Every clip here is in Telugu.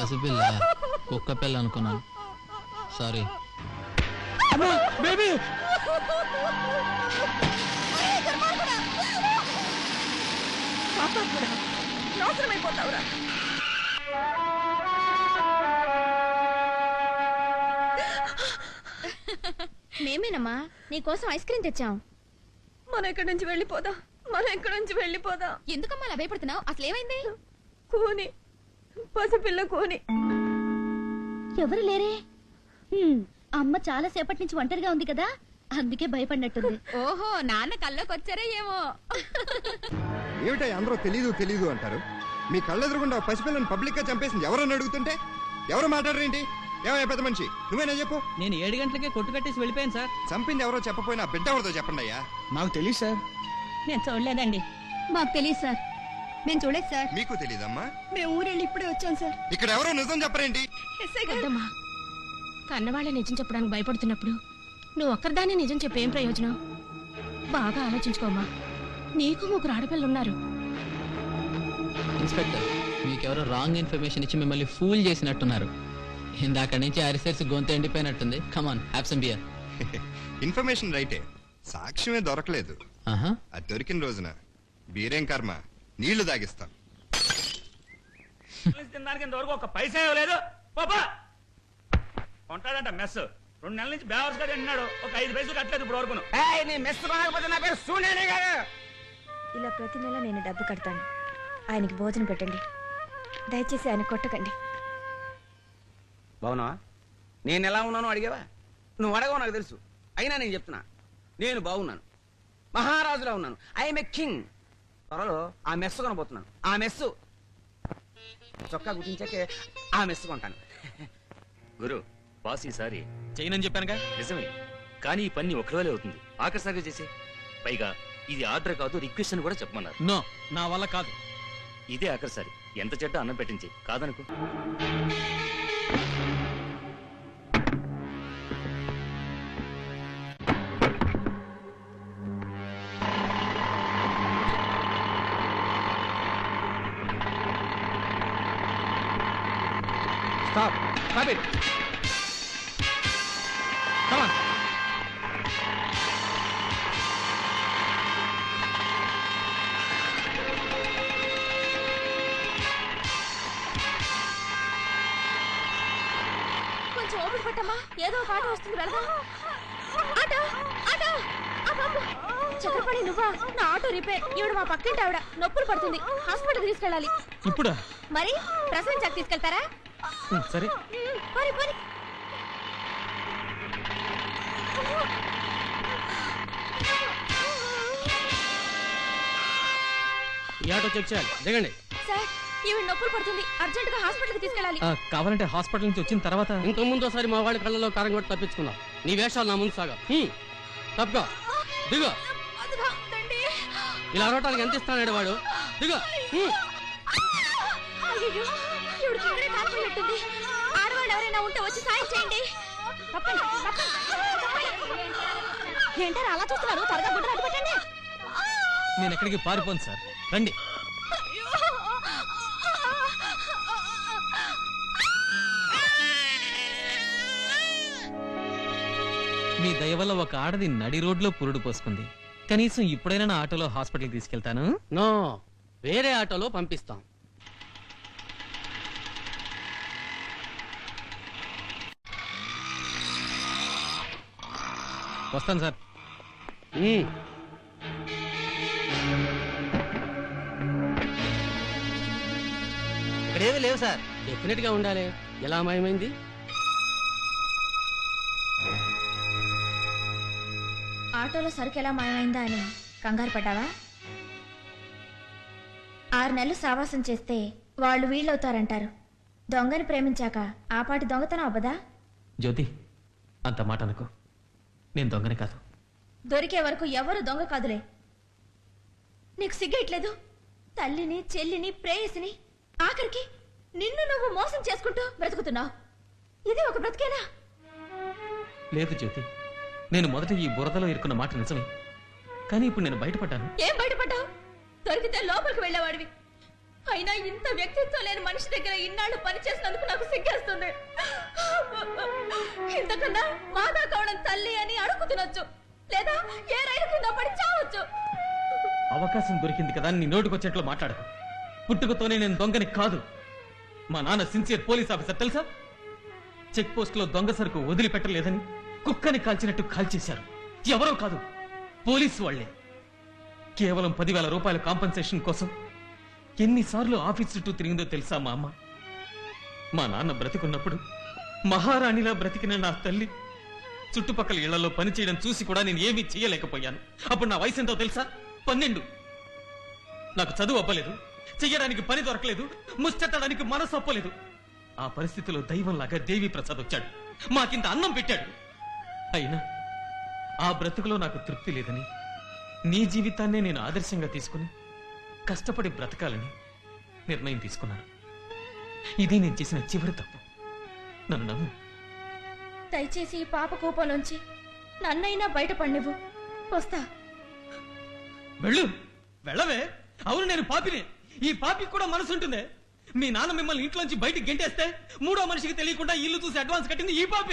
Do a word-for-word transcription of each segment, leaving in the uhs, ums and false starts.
పసిపిల్ల కుక్క పిల్ల అనుకున్నాను. సారీ. బేబీ నాశనమైపోతావురా. మేమేనమ్మా నీకోసం ఐస్ క్రీమ్ తెచ్చాం. మనం ఇక్కడి నుంచి వెళ్ళిపోదాం, మనం ఇక్కడి నుంచి వెళ్ళిపోదాం. ఎందుకమ్మా అలా భయపడుతున్నావు? అసలు ఏమైంది? కూని, పసిపిల్ల కూని. ఎవరు లేరే? అమ్మ చాలా సేపటి నుంచి ఒంటరిగా ఉంది కదా, అందుకే భయపడినట్టుంది. ఓహో, నాన్న కల్లోకి వచ్చారా ఏమో. ఏమిటా అందరూ తెలీదు తెలీదు అంటారు? మీ కళ్ళెదురుగుండా పసిపిల్లని పబ్లిక్ గా చంపేసింది ఎవరని అడుగుతుంటే ఎవరు మాట్లాడరేంటి? ఏమయ్యా పెద్ద మనిషి, నువ్వేనా చెప్పు. నేను ఏడు గంటలకే కొట్టు కట్టేసి వెళ్ళిపోయాను సార్. చంపింది ఎవరో చెప్పపోయినా బిడ్డ ఎవరితో చెప్పండి అయ్యా. నాకు తెలియదు సార్. నేను చూడలేదండి. మాకు తెలియదు సార్. మేము చూడలేదు సార్. మీకు తెలీదమ్మా? మేము ఊరెళ్ళి ఇప్పుడే వచ్చాం సార్. ఇక్కడ ఎవరో నిజం చెప్పరేంటి? వద్దమ్మా, కన్నవాళ్ళే నిజం చెప్పడానికి భయపడుతున్నప్పుడు నువ్వు ఒక్కరిదానే నిజం చెప్పేం ప్రయోజనం? బాగా ఆలోచించుకోమ్మా. నీకు ముగ్గురు ఆడపిల్లలు ఉన్నారు. ఇన్స్పెక్టర్, మీకెవరో రాంగ్ ఇన్ఫర్మేషన్ ఇచ్చి మిమ్మల్ని ఫూల్ చేసినట్టున్నారు. ఇందాక నుంచి అరిసెర్సి గొంతు ఎండిపోయినట్టుంది. Come on, have some beer. Information రైటే, సాక్ష్యమే దొరకలేదు. అది దొరికిన రోజున బీరేం కర్మ, నీళ్లు తాగిస్తాం. తినడానికి ఇంతవరకు ఒక పైసా ఇవ్వలేదు. పాపా కొంటాడంట మెస్. రెండు నెలల నుంచి బేవర్స్ గా తింటున్నాడు. ఒక ఐదు పైసలు కట్టలేదు ఇప్పుడు వరకు. మెస్ కొనకపోతే నా పేరు సూర్యనే కాదు. ఇలా ప్రతి నెల నేను డబ్బు కడతాను. ఆయనకి భోజనం పెట్టండి, దయచేసి ఆయన కొట్టకండి. బావునా? నేను ఎలా ఉన్నానో అడిగావా? నువ్వు అడగవు నాకు తెలుసు. అయినా నేను చెప్తున్నా, నేను బాగున్నాను, మహారాజులా ఉన్నాను. I'm a king. త్వరలో ఆ మెస్సు కొనబోతున్నాను. ఆ మెస్సు చొక్కా గుర్తించాకే ఆ మెస్సు కొంటాను. గురు, బాస్ ఈసారి చేయనని చెప్పానుగా. నిజమే, కానీ ఈ పని ఒకవేళ అవుతుంది. ఆఖరిసారిగా చేసే. పైగా ఇది ఆర్డర్ కాదు, రిక్వెస్ట్ అని కూడా చెప్పమన్నారు. నో, నా వల్ల కాదు. ఇదే ఆఖరిసారి. ఎంత చెడ్డ అన్నం పెట్టించి కాదనుకో. Stop. Stop it. Come on. కొంచెం ఓపిక పట్టమ్మా, ఏదో ఒక ఆటో వస్తుంది, వెళ్దాం. Auto, auto. చక్రపాణి నువ్వా? నా ఆటో రిపేర్. ఈవిడ మా పక్కింటి ఆవిడ, నొప్పులు పడుతుంది, హాస్పిటల్ తీసుకెళ్ళాలి. ఇప్పుడు మరి ప్రసవించాక తీసుకెళ్తారా? సరే. పోరి, పోరి. ఈ ఆటో చెక్ చేయాలి. దిగండి. సార్, ఈవిడ నొప్పులు పడుతుంది, అర్జెంట్ గా హాస్పిటల్ కి తీసుకెళ్ళాలి. కావాలంటే హాస్పిటల్ నుంచి వచ్చిన తర్వాత. ఇంత ముందు ఒకసారి మా వాళ్ళ కళ్ళలో కారం కొట్టి తప్పించుకున్నావు. నీ వేషాలు నా ముందు సాగా. తప్పుగా దిగు. ఇలా అరవటానికి ఎంత ఇస్తాడు వాడు? దిగు. ఆడవాళ్ళు ఎవరైనా ఉంటే వచ్చి సాయం చేయండి. ఏంటారు అలా చూస్తున్నారు? త్వరగా గుడ్డ అడ్డు పెట్టండి. నేను ఎక్కడికి పారిపోను సార్, రండి. మీ దయ వల్ల ఒక ఆడది నడి రోడ్లో పురుడు పోసుకుంది. కనీసం ఇప్పుడైనా నా ఆటోలో హాస్పిటల్కి తీసుకెళ్తాను. నో, వేరే ఆటోలో పంపిస్తాం. వస్తాను సార్. ఇక్కడేమీ లేవు సార్. డెఫినెట్ గా ఉండాలి. ఎలా మాయమైంది? ఆటోలో సరుకు ఎలా మాయమైందా అని కంగారు పడ్డావా? ఆరు నెలలు సావాసం చేస్తే వాళ్ళు వీళ్ళవుతారంటారు. దొంగని ప్రేమించాక ఆపాటి దొంగతనం అవ్వదా? జ్యోతి, అంత మాట అనుకో. నేను దొంగని కాదు. దొరికే వరకు ఎవరు దొంగ కాదులే. నీకు సిగ్గట్లేదు? తల్లిని, చెల్లిని, ప్రేయసిని, ఆఖరికి నిన్ను నువ్వు మోసం చేసుకుంటూ బ్రతుకుతున్నావు. ఇది ఒక బ్రతికేనా? లేదు జ్యోతి, నేను మొదట ఈ బురదలో ఇరుక్కున్న మాట నిజమే. కానీ ఇప్పుడు నేను బయటపడ్డాను. ఏం బయటపడ్డావు? దొరికితే లోపలికి వెళ్ళేవాడివి. అయినా ఇంత వ్యక్తిత్వం లేని మనిషి దగ్గర ఇన్నాళ్ళు పనిచేసినందుకు నాకు సిగ్గేస్తుంది. ఇంతకన్నా మాదా కావడం తల్లి అని అడుగు తినొచ్చు, లేదా ఏ రైలు కింద పడి చావచ్చు. అవకాశం దొరికింది కదా నీ నోటుకొచ్చేట్లు మాట్లాడకు. పుట్టుకతోనే నేను దొంగని కాదు. మా నాన్న సిన్సియర్ పోలీస్ ఆఫీసర్ తెలుసా? చెక్ పోస్ట్ లో దొంగ సరుకు వదిలిపెట్టలేదని కుక్కని కాల్చినట్టు కాల్చేశారు. ఎవరో కాదు, పోలీసు వాళ్లే. కేవలం పదివేల రూపాయల కాంపన్సేషన్ కోసం ఎన్నిసార్లు ఆఫీస్ చుట్టూ తిరిగిందో తెలుసా మా అమ్మ? మా నాన్న బ్రతికున్నప్పుడు మహారాణిలా బ్రతికిన నా తల్లి చుట్టుపక్కల ఇళ్లలో పనిచేయడం చూసి కూడా నేను ఏమీ చేయలేకపోయాను. అప్పుడు నా వయసు ఎంతో తెలుసా? పన్నెండు. నాకు చదువు అవ్వలేదు, చెయ్యడానికి పని దొరకలేదు, ముష్టెత్తడానికి మనసు ఒప్పలేదు. ఆ పరిస్థితిలో దైవంలాగా దేవి ప్రసాద్ వచ్చాడు, మాకింత అన్నం పెట్టాడు. అయినా ఆ బ్రతుకులో నాకు తృప్తి లేదని నీ జీవితాన్నే నేను ఆదర్శంగా తీసుకుని కష్టపడి బ్రతకాలని నిర్ణయం తీసుకున్నాను. ఇది నేను చేసిన చివరి తప్పు. నన్ను నమ్ము. దయచేసి ఈ పాప కోపంలోంచి నన్నైనా బయటపడినివ్వు. వస్తా. వెళ్ళు, వెళ్ళవే. అవును, నేను పాపినే. ఈ పాపికి కూడా మనసు ఉంటుందే. మీ నాన్న మిమ్మల్ని ఇంట్లోంచి బయటికి గెంటేస్తే మూడో మనిషికి తెలియకుండా ఇల్లు చూసి అడ్వాన్స్ కట్టింది ఈ పాపే.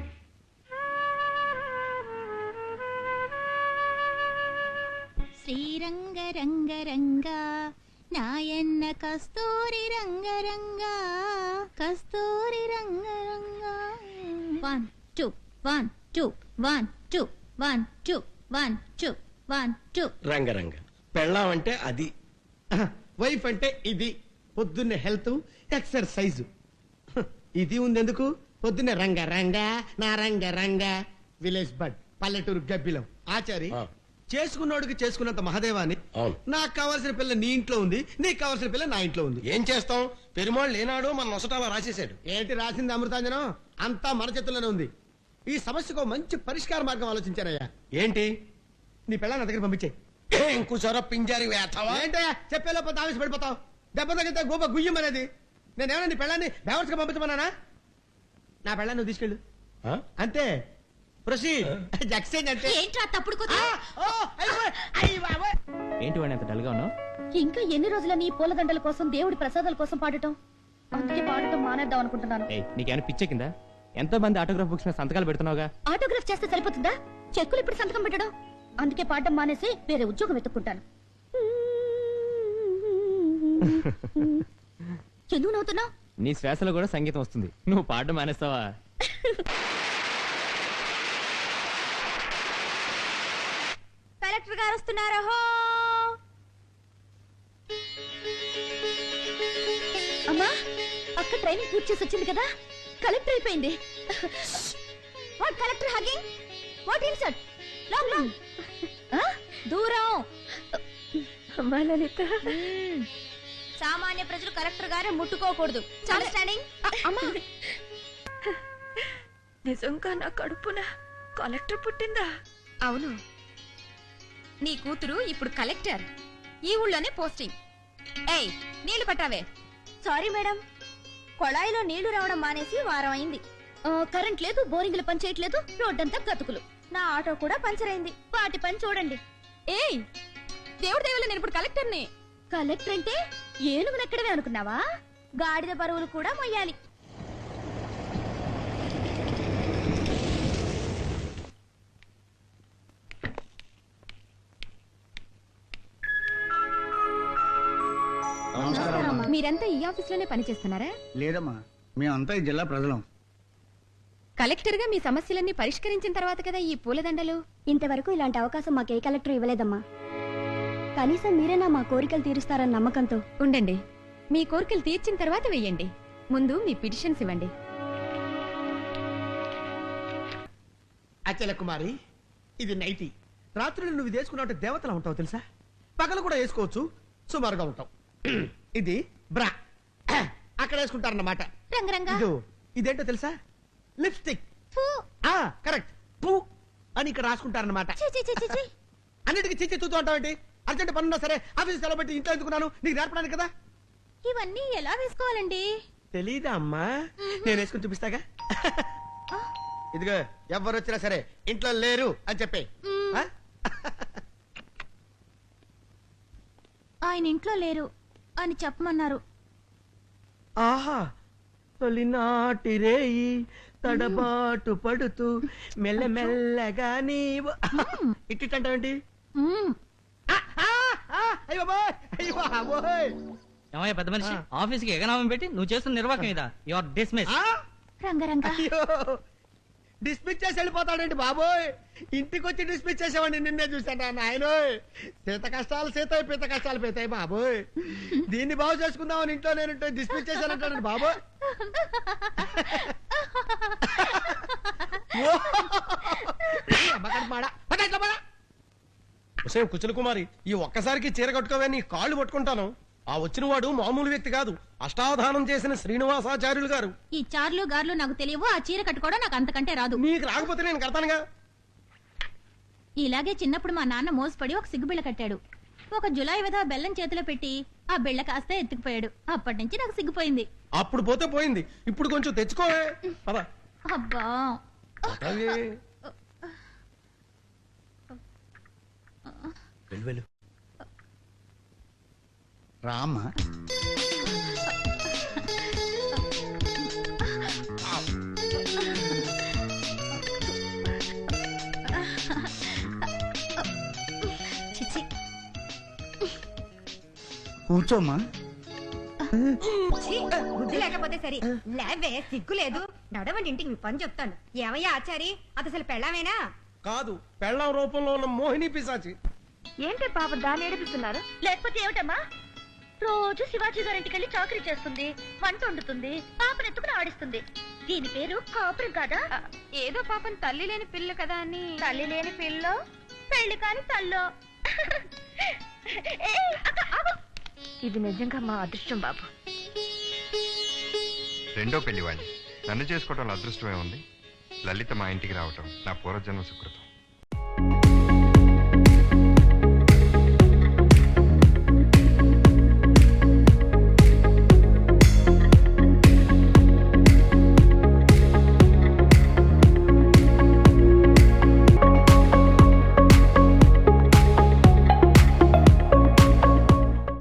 శ్రీరంగ రంగ రంగ నాయన్న కస్తూరి రంగ రంగ Kasturi Ranga Ranga. One two one two one two one two one two one two. Ranga Ranga పెళ్ళాం అంటే అది, వైఫ్ అంటే ఇది. పొద్దున్నే హెల్త్, ఎక్సర్సైజ్. ఇది ఉందెందుకు? పొద్దున్నే రంగ రంగ నా రంగ రంగ. విలేజ్ బడ్, పల్లెటూరు గబ్బిలం. ఆచారి చేసుకున్నోడికి చేసుకున్నంత మహదేవాని. నాకు కావాల్సిన పిల్ల నీ ఇంట్లో ఉంది, నీకు కావాల్సిన పిల్ల నా ఇంట్లో ఉంది. ఏం చేస్తాం? పెరుమాళ్ళు లేనాడు మన నొసటాలా రాసేసాడు. ఏంటి రాసింది? అమృతాంజనం. అంతా మన చేతుల్లోనే ఉంది. ఈ సమస్యకు మంచి పరిష్కార మార్గం ఆలోచించానయ్యా. ఏంటి? నీ పిల్ల నా దగ్గర పంపించే. కూర్చోరా పింజారి వేస్తావా? ఏంటయ్యా చెప్పేలోపు ఆవేశ పడిపోతావు. దెబ్బ తగ్గితే గోప గుయ్యమనేది. నేనేమన్నా నీ పిల్లాన్ని బేవర్స్గా పంపించమన్నానా? నా పిల్లాన్ని నువ్వు తీసుకెళ్ళు అంతే. ఏంటి వాడిని అంత డల్గా ఉన్నావు? ఇంకా ఎన్ని రోజులని ఈ పూలదండల కోసం, దేవుడి ప్రసాదాల కోసం పాడటం? అందుకే పాడటం మానేద్దాం అనుకుంటున్నాను. నీకేమైనా పిచ్చెక్కిందా? ఎంతో మంది ఆటోగ్రాఫ్ బుక్స్ మీద సంతకాలు పెడుతున్నావుగా. ఆటోగ్రాఫ్ చేస్తే సరిపోతుందా? చెక్కులు ఇప్పుడు సంతకం పెట్టడం. అందుకే పాడటం మానేసి వేరే ఉద్యోగం వెతుక్కుంటాను. ఎందుకు నవ్వుతున్నావు? నీ శ్వాసలో కూడా సంగీతం వస్తుంది. నువ్వు పాడడం మానేస్తావా? కలెక్టర్ గారు వస్తున్నారా? హో అమ్మా, అక్క ట్రైనింగ్ పూర్తి చేసి వచ్చింది కదా, కలెక్టర్ అయిపోయింది. What collector hugging? What insult? Long long దూరం. అమ్మా లలిత, సామాన్య ప్రజలు కలెక్టర్ గారే ముట్టుకోకూడదు. అండర్స్టాండింగ్? అమ్మా, నిజంగా నా కడుపున కలెక్టర్ పుట్టిందా? అవును, నీ కూతురు ఇప్పుడు కలెక్టర్. ఈ ఊళ్ళోనే పోస్టింగ్. ఏయ్, నీళ్లు పట్టావే. సారీ మేడం, కొళాయిలో నీళ్లు రావడం మానేసి వారం అయింది. కరెంట్ లేదు, బోరింగ్లు పని చేయట్లేదు, రోడ్డంతా గతుకులు. నా ఆటో కూడా పంచర్ అయింది. వాటి పని చూడండి. ఏయ్, దేవుడి దేవుళ్ళు, నేను ఇప్పుడు కలెక్టర్ని. కలెక్టర్ అంటే ఏనుగు నెక్కడమే అనుకున్నావా? గాడిద బరువులు కూడా మొయ్యాలి. మీరంతా ఈ ఆఫీస్ లోనే పనిచేస్తున్నారా? లేదమ్మా, మేమంతా ఈ జిల్లా ప్రజలం. కలెక్టర్ గా మీ సమస్యలన్నీ పరిష్కరించిన తర్వాత కదా ఈ పూలదండలు. ఇంతవరకు ఇలాంటి అవకాశం మాకు ఏ కలెక్టర్ ఇవ్వలేదమ్మా. కనీసం మీరేనా మా కోరికలు తీరుస్తారన్న నమ్మకంతో. ఉండండి, మీ కోరికలు తీర్చిన తర్వాత వెయ్యండి. ముందు మీ పిటిషన్స్ ఇవ్వండి. అచల కుమారి, ఇది నైటీ. రాత్రులు నువ్వు ఇది వేసుకున్నావు దేవతలా ఉంటావు తెలుసా. పగలు కూడా వేసుకోవచ్చు, సుమారుగా ఉంటావు. ఇది బ్రా, అక్కడ వేసుకుంటారన్నమాట. రంగరంగా, ఇదేంటో తెలుసా? లిప్స్టిక్. కరెక్ట్, పూ అని ఇక్కడ రాసుకుంటారన్నమాట. అన్నిటికీ చిచ్చి చూస్తూ ఉంటావేంటి? అర్జెంట్ పనున్నా సరే ఆఫీస్ సెలవు పెట్టి ఇంట్లో ఎందుకున్నాను? నీకు నేర్పడానికి కదా. ఇవన్నీ ఎలా వేసుకోవాలండి? తెలీదా అమ్మా? నేను వేసుకుని చూపిస్తాగా. ఇదిగో, ఎవరు వచ్చినా సరే ఇంట్లో లేరు అని చెప్పే. ఆయన ఇంట్లో లేరు, అని చెప్పమన్నారు. ఆహా తొలినాటి రేయి తడబాటు పడుతూ మెల్లమెల్లగా నీవు ఇట్టింటావేంటి? మ్మ్. అయ్యో బాబోయ్, అయ్యో బాబోయ్. ఏమయ్య పెద్ద మనిషి, ఆఫీస్ కి ఎగనామం పెట్టి నువ్వు చేస్తున్న నిర్వాహకం ఇదా? You are dismiss. ఆ? రంగరంగ అయ్యో డిస్మిస్ చేసి వెళ్ళిపోతాడండి బాబోయ్. ఇంటికి వచ్చి డిస్మిస్ చేసేవాడిని నిన్నే చూశాను నాయనోయ్. సీత కష్టాలు సీతాయి, పీత కష్టాలు పీతాయి బాబోయ్. దీన్ని బాగు చేసుకుందామని ఇంట్లో నేను డిస్మిస్ చేశానంటాడు బాబోయ్. కుచల కుమారి, ఈ ఒక్కసారికి చీర కట్టుకోవే నీ కాళ్ళు పట్టుకుంటాను. ఆ వచ్చిన వాడు మామూలు వ్యక్తి కాదు, అష్టావధానం చేసిన శ్రీనివాసాచార్యులు గారు. ఈ చార్లు గార్లు నాకు తెలియవు, ఆ చీర కట్టుకోవడం నాకు అంతకంటే రాదు. నీకు రాకపోతే నేను కడతానుగా. ఇలాగే చిన్నప్పుడు మా నాన్న మోసపడి ఒక సిగ్గుబిళ్ళ కట్టాడు. ఒక జులై విధవ బెల్లం చేతిలో పెట్టి ఆ బిళ్ళ కాస్త ఎత్తుకుపోయాడు. అప్పటి నుంచి నాకు సిగ్గుపోయింది. అప్పుడు పోతే పోయింది, ఇప్పుడు కొంచెం తెచ్చుకోవే. పద. అబ్బా అలాగే. వెళ్ళు వెళ్ళు రామా. చిచి కూర్చోమ్మా. బుద్ధి లేకపోతే సరే లేవే, సిగ్గు లేదు. నడవండి, ఇంటికి మీ పని చెప్తాను. ఏమయ్యా ఆచారి, అది అసలు పెళ్ళామేనా? కాదు, పెళ్ళం రూపంలో ఉన్న మోహిని పిశాచి. ఏంటి పాప దాన్ని ఏడిపిస్తున్నారు? లేకపోతే ఏమిటమ్మా? రోజు శివాజీ గారింటికి వెళ్ళి చాకరీ చేస్తుంది, వంట వండుతుంది, పాపను ఎత్తుకుని ఆడిస్తుంది. దీని పేరు కాపురం కాదా? ఏదో పాపం తల్లి లేని పిల్ల కదా అని. తల్లి లేని పిల్లో, పెళ్లి కాని తల్లో. ఏయ్, అక్క, ఆగు. ఇది నిజంగా మా అదృష్టం బాబు. రెండో పెళ్లి వాడిని నన్ను చేసుకోవటం అదృష్టమే ఉంది. లలిత మా ఇంటికి రావటం నా పూర్వజన్మ సుకృతం.